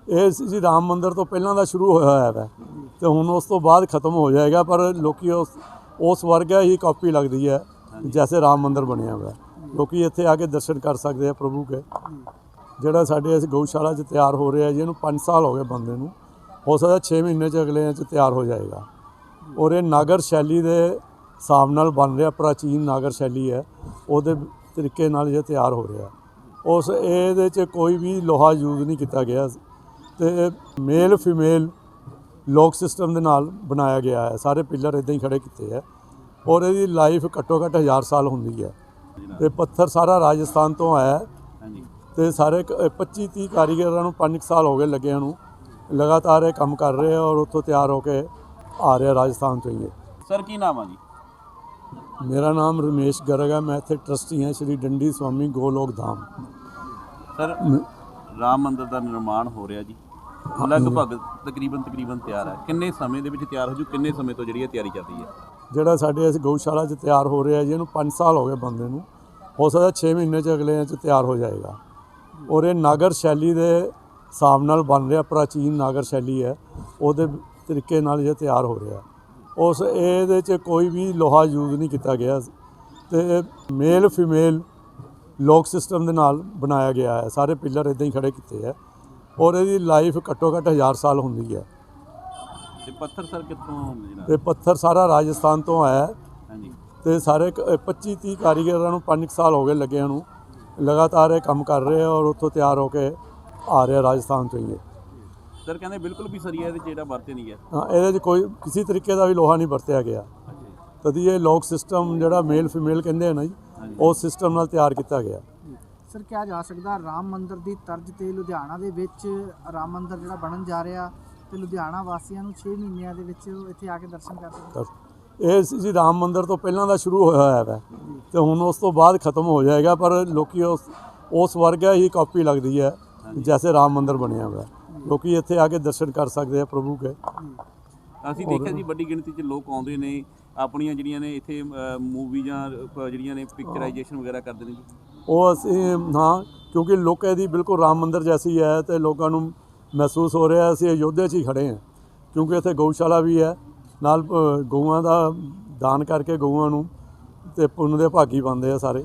ਇਹ ਜੀ ਰਾਮ ਮੰਦਿਰ ਤੋਂ ਪਹਿਲਾਂ ਦਾ ਸ਼ੁਰੂ ਹੋਇਆ ਹੈ ਤੇ ਹੁਣ ਉਸ ਤੋਂ ਬਾਅਦ ਖਤਮ ਹੋ ਜਾਏਗਾ, ਪਰ ਲੋਕੀ ਉਸ ਵਰਗਾ ਹੀ ਕਾਪੀ ਲੱਗਦੀ ਹੈ ਜੈਸੇ ਰਾਮ ਮੰਦਿਰ ਬਣਿਆ ਹੋਇਆ। ਲੋਕੀ ਇੱਥੇ ਆ ਕੇ ਦਰਸ਼ਨ ਕਰ ਸਕਦੇ ਆ ਪ੍ਰਭੂ ਕੇ। ਜਿਹੜਾ ਸਾਡੇ ਇਸ ਗਊਸ਼ਾਲਾ 'ਚ ਤਿਆਰ ਹੋ ਰਿਹਾ ਜੀ, ਇਹਨੂੰ 5 ਸਾਲ ਹੋ ਗਏ ਬੰਦੇ ਨੂੰ, ਹੋ ਸਕਦਾ 6 ਮਹੀਨੇ 'ਚ ਅਗਲੇ 'ਚ ਤਿਆਰ ਹੋ ਜਾਏਗਾ। ਔਰ ਇਹ ਨਾਗਰ ਸ਼ੈਲੀ ਦੇ ਹਿਸਾਬ ਨਾਲ ਬਣ ਰਿਹਾ, ਪ੍ਰਾਚੀਨ ਨਾਗਰ ਸ਼ੈਲੀ ਹੈ, ਉਹਦੇ ਤਰੀਕੇ ਨਾਲ ਇਹ ਤਿਆਰ ਹੋ ਰਿਹਾ। ਉਸ ਇਹਦੇ 'ਚ ਕੋਈ ਵੀ ਲੋਹਾ ਯੂਜ਼ ਨਹੀਂ ਕੀਤਾ ਗਿਆ ਤੇ ਮੇਲ ਫੀਮੇਲ ਲੋਕ ਸਿਸਟਮ ਦੇ ਨਾਲ ਬਣਾਇਆ ਗਿਆ ਹੈ। ਸਾਰੇ ਪਿੱਲਰ ਇੱਦਾਂ ਹੀ ਖੜੇ ਕੀਤੇ ਹੈ ਔਰ ਇਹਦੀ ਲਾਈਫ ਘੱਟੋ ਘੱਟ 1000 ਸਾਲ ਹੁੰਦੀ ਹੈ। ਤੇ ਪੱਥਰ ਸਾਰਾ ਰਾਜਸਥਾਨ ਤੋਂ ਆਇਆ ਤੇ ਸਾਰੇ 25-30 ਕਾਰੀਗਰਾਂ ਨੂੰ 5 ਸਾਲ ਹੋ ਗਏ ਲੱਗਿਆਂ ਨੂੰ, ਲਗਾਤਾਰ ਇਹ ਕੰਮ ਕਰ ਰਹੇ ਆ ਔਰ ਉੱਥੋਂ ਤਿਆਰ ਹੋ ਕੇ ਆ ਰਿਹਾ ਰਾਜਸਥਾਨ ਤੋਂ ਹੀ। ਸਰ ਕੀ ਨਾਮ ਆ ਜੀ? ਮੇਰਾ ਨਾਮ ਰਮੇਸ਼ ਗਰਗ ਹੈ, ਮੈਂ ਇੱਥੇ ਟਰਸਟੀ ਹਾਂ ਸ਼੍ਰੀ ਡੰਡੀ ਸਵਾਮੀ ਗੋਲੋਕ ਧਾਮ। ਸਰ ਰਾਮ ਮੰਦਿਰ ਦਾ ਨਿਰਮਾਣ ਹੋ ਰਿਹਾ ਜੀ, ਲਗਭਗ ਤਕਰੀਬਨ ਤਿਆਰ ਹੈ। ਕਿੰਨੇ ਸਮੇਂ ਦੇ ਵਿੱਚ ਤਿਆਰ ਹੋ ਜੂ? ਕਿੰਨੇ ਸਮੇਂ ਤੋਂ ਜਿਹੜੀ ਇਹ ਤਿਆਰੀ ਚੱਲ ਰਹੀ ਹੈ? ਜਿਹੜਾ ਸਾਡੇ ਇਸ ਗਊਸ਼ਾਲਾ 'ਚ ਤਿਆਰ ਹੋ ਰਿਹਾ ਜੀ, ਇਹਨੂੰ 5 ਸਾਲ ਹੋ ਗਏ ਬੰਦੇ ਨੂੰ, ਹੋ ਸਕਦਾ 6 ਮਹੀਨੇ 'ਚ ਅਗਲੇ 'ਚ ਤਿਆਰ ਹੋ ਜਾਏਗਾ। ਔਰ ਇਹ ਨਾਗਰ ਸ਼ੈਲੀ ਦੇ ਹਿਸਾਬ ਨਾਲ ਬਣ ਰਿਹਾ, ਪ੍ਰਾਚੀਨ ਨਾਗਰ ਸ਼ੈਲੀ ਹੈ, ਉਹਦੇ ਤਰੀਕੇ ਨਾਲ ਇਹ ਤਿਆਰ ਹੋ ਰਿਹਾ। ਉਸ ਇਹਦੇ 'ਚ ਕੋਈ ਵੀ ਲੋਹਾ ਯੂਜ਼ ਨਹੀਂ ਕੀਤਾ ਗਿਆ ਤੇ ਮੇਲ ਫੀਮੇਲ ਲੋਕ ਸਿਸਟਮ ਦੇ ਨਾਲ ਬਣਾਇਆ ਗਿਆ ਹੈ। ਸਾਰੇ ਪਿੱਲਰ ਇੱਦਾਂ ਹੀ ਖੜੇ ਕੀਤੇ ਹੈ ਔਰ ਇਹਦੀ ਲਾਈਫ ਘੱਟੋ ਘੱਟ 1000 ਸਾਲ ਹੁੰਦੀ ਹੈ। ਤੇ ਪੱਥਰ ਸਰ ਕਿੱਥੋਂ? ਤੇ ਪੱਥਰ ਸਾਰਾ ਰਾਜਸਥਾਨ ਤੋਂ ਆਇਆ ਹਾਂਜੀ ਤੇ ਸਾਰੇ 25-30 ਕਾਰੀਗਰਾਂ ਨੂੰ 5 ਸਾਲ ਹੋ ਗਏ ਲੱਗਿਆਂ ਨੂੰ, ਲਗਾਤਾਰ ਇਹ ਕੰਮ ਕਰ ਰਹੇ ਆ ਔਰ ਉੱਥੋਂ ਤਿਆਰ ਹੋ ਕੇ ਆ ਰਿਹਾ ਰਾਜਸਥਾਨ ਤੋਂ ਹੀ। ਸਰ ਕਹਿੰਦੇ ਬਿਲਕੁਲ ਵੀ ਸਰੀਆ ਇਹਦੇ 'ਚ ਜਿਹੜਾ ਵਰਤੇ ਨਹੀਂ ਗਿਆ। ਹਾਂ, ਇਹਦੇ 'ਚ ਕੋਈ ਕਿਸੇ ਤਰੀਕੇ ਦਾ ਵੀ ਲੋਹਾ ਨਹੀਂ ਵਰਤਿਆ ਗਿਆ। ਤਦੀ ਇਹ ਲੋਕ ਸਿਸਟਮ ਜਿਹੜਾ ਮੇਲ ਫੀਮੇਲ ਕਹਿੰਦੇ ਆ ਨਾ ਜੀ, ਉਸ ਸਿਸਟਮ ਨਾਲ ਤਿਆਰ ਕੀਤਾ ਗਿਆ। ਸਰ ਕਿਹਾ ਜਾ ਸਕਦਾ ਰਾਮ ਮੰਦਿਰ ਦੀ ਤਰਜ਼ ਤੇ ਲੁਧਿਆਣਾ ਦੇ ਵਿੱਚ ਰਾਮ ਮੰਦਿਰ ਜਿਹੜਾ ਬਣਨ ਜਾ ਰਿਹਾ ਤੇ ਲੁਧਿਆਣਾ ਵਾਸੀਆਂ ਨੂੰ 6 ਮਹੀਨਿਆਂ ਦੇ ਵਿੱਚ ਇੱਥੇ ਆ ਕੇ ਦਰਸ਼ਨ ਕਰ ਸਕਦੇ। ਇਹ ਜੀ ਰਾਮ ਮੰਦਿਰ ਤੋਂ ਪਹਿਲਾਂ ਦਾ ਸ਼ੁਰੂ ਹੋਇਆ ਹੈ ਤੇ ਹੁਣ ਉਸ ਤੋਂ ਬਾਅਦ ਖਤਮ ਹੋ ਜਾਏਗਾ, ਪਰ ਲੋਕੀ ਉਸ ਵਰਗਾ ਹੀ ਕਾਪੀ ਲੱਗਦੀ ਹੈ ਜੈਸੇ ਰਾਮ ਮੰਦਿਰ ਬਣਿਆ ਹੋਇਆ। ਲੋਕੀ ਇੱਥੇ ਆ ਕੇ ਦਰਸ਼ਨ ਕਰ ਸਕਦੇ ਆ ਪ੍ਰਭੂ ਕੇ। ਅਸੀਂ ਦੇਖਿਆ ਜੀ ਵੱਡੀ ਗਿਣਤੀ 'ਚ ਲੋਕ ਆਉਂਦੇ ਨੇ, ਆਪਣੀਆਂ ਜਿਹੜੀਆਂ ਨੇ ਇੱਥੇ ਮੂਵੀ ਜਾਂ ਜਿਹੜੀਆਂ ਨੇ ਪਿਕਚਰਾਈਜੇਸ਼ਨ ਵਗੈਰਾ ਕਰਦੇ ਨੇ ਜੀ। ਉਹ ਅਸੀਂ ਹਾਂ, ਕਿਉਂਕਿ ਲੋਕਾਂ ਦੀ ਬਿਲਕੁਲ ਰਾਮ ਮੰਦਿਰ ਜੈਸੀ ਹੈ ਤੇ ਲੋਕਾਂ ਨੂੰ ਮਹਿਸੂਸ ਹੋ ਰਿਹਾ ਅਸੀਂ ਅਯੋਧਿਆ 'ਚ ਹੀ ਖੜੇ ਹਾਂ, ਕਿਉਂਕਿ ਇੱਥੇ ਗਊਸ਼ਾਲਾ ਵੀ ਹੈ ਨਾਲ, ਗਊਆਂ ਦਾ ਦਾਨ ਕਰਕੇ ਗਊਆਂ ਨੂੰ ਤੇ ਪੁੰਨ ਦੇ ਭਾਗੀ ਬਣਦੇ ਆ ਸਾਰੇ।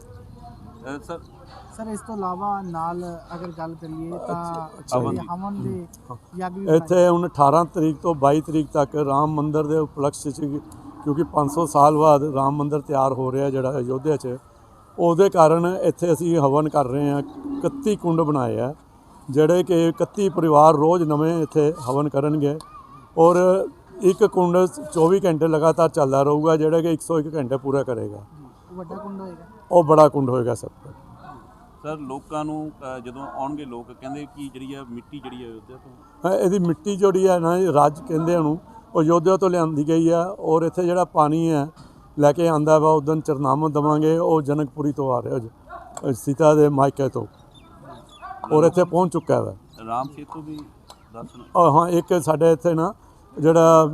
ਸਰ ਇਸ ਤੋਂ ਇਲਾਵਾ ਨਾਲ ਅਗਰ ਗੱਲ ਕਰੀਏ ਤਾਂ ਹਵਨ ਦੇ ਯੱਗ ਵੀ ਇੱਥੇ ਹੁਣ 18 ਤਰੀਕ ਤੋਂ 22 ਤਰੀਕ ਤੱਕ ਰਾਮ ਮੰਦਿਰ ਦੇ ਉਪਲਕਸ਼ 'ਚ, ਕਿਉਂਕਿ 500 ਸਾਲ ਬਾਅਦ ਰਾਮ ਮੰਦਿਰ ਤਿਆਰ ਹੋ ਰਿਹਾ ਜਿਹੜਾ ਅਯੋਧਿਆ 'ਚ, ਉਹਦੇ ਕਾਰਨ ਇੱਥੇ ਅਸੀਂ ਹਵਨ ਕਰ ਰਹੇ ਹਾਂ। 31 ਕੁੰਡ ਬਣਾਏ ਆ ਜਿਹੜੇ ਕਿ 31 ਪਰਿਵਾਰ ਰੋਜ਼ ਨਵੇਂ ਇੱਥੇ ਹਵਨ ਕਰਨਗੇ ਔਰ ਇੱਕ ਕੁੰਡ 24 ਘੰਟੇ ਲਗਾਤਾਰ ਚੱਲਦਾ ਰਹੂਗਾ, ਜਿਹੜਾ ਕਿ 101 ਘੰਟੇ ਪੂਰਾ ਕਰੇਗਾ। ਵੱਡਾ ਕੁੰਡ ਹੋਏਗਾ, ਉਹ ਬੜਾ ਕੁੰਡ ਹੋਏਗਾ ਸਭ ਤੋਂ। ਸਰ ਲੋਕਾਂ ਨੂੰ ਜਦੋਂ ਆਉਣਗੇ ਲੋਕ ਕਹਿੰਦੇ ਕਿ ਜਿਹੜੀ ਆ ਮਿੱਟੀ ਜਿਹੜੀ ਹੈ ਅਯੋਧਿਆ ਤੋਂ, ਇਹਦੀ ਮਿੱਟੀ ਜਿਹੜੀ ਹੈ ਨਾ ਰਾਜ ਕਹਿੰਦੇ ਉਹਨੂੰ, ਉਹ ਅਯੋਧਿਆ ਤੋਂ ਲਿਆਂਦੀ ਗਈ ਆ ਔਰ ਇੱਥੇ ਜਿਹੜਾ ਪਾਣੀ ਹੈ ਲੈ ਕੇ ਆਂਦਾ ਵਾ ਉਦੋਂ ਚਰਨਾਮਾ ਦੇਵਾਂਗੇ, ਉਹ ਜਨਕਪੁਰੀ ਤੋਂ ਆ ਰਿਹਾ ਸੀਤਾ ਦੇ ਮਾਇਕੇ ਤੋਂ ਔਰ ਇੱਥੇ ਪਹੁੰਚ ਚੁੱਕਾ ਵਾ। ਰਾਮ ਸੇਤੂ ਵੀ ਦੱਸ। ਹਾਂ, ਇੱਕ ਸਾਡੇ ਇੱਥੇ ਨਾ ਜਿਹੜਾ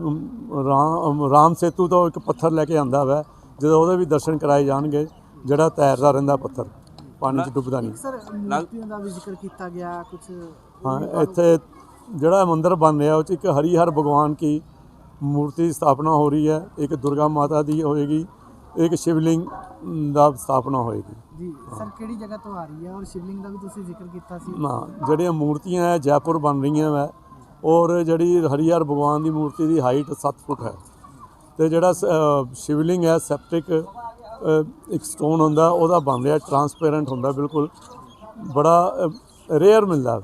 ਰਾਮ ਸੇਤੂ ਤੋਂ ਇੱਕ ਪੱਥਰ ਲੈ ਕੇ ਆਂਦਾ ਵਾ, ਜਦੋਂ ਉਹਦੇ ਵੀ ਦਰਸ਼ਨ ਕਰਾਏ ਜਾਣਗੇ, ਜਿਹੜਾ ਤੈਰਦਾ ਰਹਿੰਦਾ ਪੱਥਰ, ਪਾਣੀ 'ਚ ਡੁੱਬਦਾ ਨਹੀਂ। ਸਰ ਮੂਰਤੀਆਂ ਦਾ ਵੀ ਜ਼ਿਕਰ ਕੀਤਾ ਗਿਆ ਕੁਝ। ਹਾਂ, ਇੱਥੇ ਜਿਹੜਾ ਮੰਦਿਰ ਬਣ ਰਿਹਾ ਉਹ 'ਚ ਇੱਕ ਹਰੀਹਰ ਭਗਵਾਨ ਕੀ ਮੂਰਤੀ ਸਥਾਪਨਾ ਹੋ ਰਹੀ ਹੈ, ਇੱਕ ਦੁਰਗਾ ਮਾਤਾ ਦੀ ਹੋਏਗੀ, ਇੱਕ ਸ਼ਿਵਲਿੰਗ ਦਾ ਸਥਾਪਨਾ ਹੋਏਗੀ ਜੀ। ਸਰ ਕਿਹੜੀ ਜਗ੍ਹਾ ਤੋਂ ਆ ਰਹੀ ਹੈ ਔਰ ਸ਼ਿਵਲਿੰਗ ਦਾ ਵੀ ਤੁਸੀਂ ਜ਼ਿਕਰ ਕੀਤਾ ਸੀ ਨਾ? ਜਿਹੜੀਆਂ ਮੂਰਤੀਆਂ ਹੈ ਜੈਪੁਰ ਬਣ ਰਹੀਆਂ ਵਾ ਔਰ ਜਿਹੜੀ ਹਰੀਹਰ ਭਗਵਾਨ ਦੀ ਮੂਰਤੀ ਦੀ ਹਾਈਟ 7 ਫੁੱਟ ਹੈ ਤੇ ਜਿਹੜਾ ਸ਼ਿਵਲਿੰਗ ਹੈ ਸੈਪਟਿਕ ਇੱਕ ਸਟੋਨ ਹੁੰਦਾ, ਉਹਦਾ ਬਣ ਰਿਹਾ, ਟਰਾਂਸਪੇਰੈਂਟ ਹੁੰਦਾ, ਬਿਲਕੁਲ ਬੜਾ ਰੇਅਰ ਮਿਲਦਾ।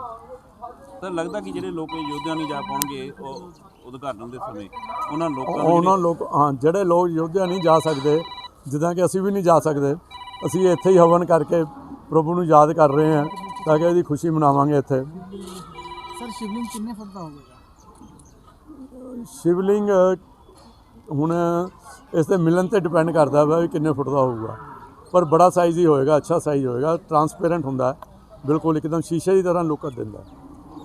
ਸਰ ਲੱਗਦਾ ਕਿ ਜਿਹੜੇ ਲੋਕ ਯੋਧਿਆ ਨਹੀਂ ਜਾ ਪਾਉਣਗੇ ਉਹ ਉਦਘਾਟਨ ਦੇ ਸਮੇਂ ਉਹਨਾਂ ਲੋਕ ਹਾਂ, ਜਿਹੜੇ ਲੋਕ ਯੋਧਿਆ ਨਹੀਂ ਜਾ ਸਕਦੇ, ਜਿੱਦਾਂ ਕਿ ਅਸੀਂ ਵੀ ਨਹੀਂ ਜਾ ਸਕਦੇ, ਅਸੀਂ ਇੱਥੇ ਹੀ ਹਵਨ ਕਰਕੇ ਪ੍ਰਭੂ ਨੂੰ ਯਾਦ ਕਰ ਰਹੇ ਹਾਂ ਤਾਂ ਕਿ ਇਹਦੀ ਖੁਸ਼ੀ ਮਨਾਵਾਂਗੇ ਇੱਥੇ। ਸਰ ਸ਼ਿਵਲਿੰਗ ਕਿੰਨੇ ਫੁੱਟ ਦਾ ਹੋਵੇਗਾ? ਸ਼ਿਵਲਿੰਗ ਹੁਣ ਇਸ 'ਤੇ ਮਿਲਣ 'ਤੇ ਡਿਪੈਂਡ ਕਰਦਾ ਵਾ ਵੀ ਕਿੰਨੇ ਫੁੱਟ ਦਾ ਹੋਊਗਾ, ਪਰ ਬੜਾ ਸਾਈਜ਼ ਹੀ ਹੋਏਗਾ, ਅੱਛਾ ਸਾਈਜ਼ ਹੋਏਗਾ, ਟਰਾਂਸਪੇਰੈਂਟ ਹੁੰਦਾ, ਬਿਲਕੁਲ ਇੱਕਦਮ ਸ਼ੀਸ਼ੇ ਦੀ ਤਰ੍ਹਾਂ ਲੁੱਕ ਦਿੰਦਾ।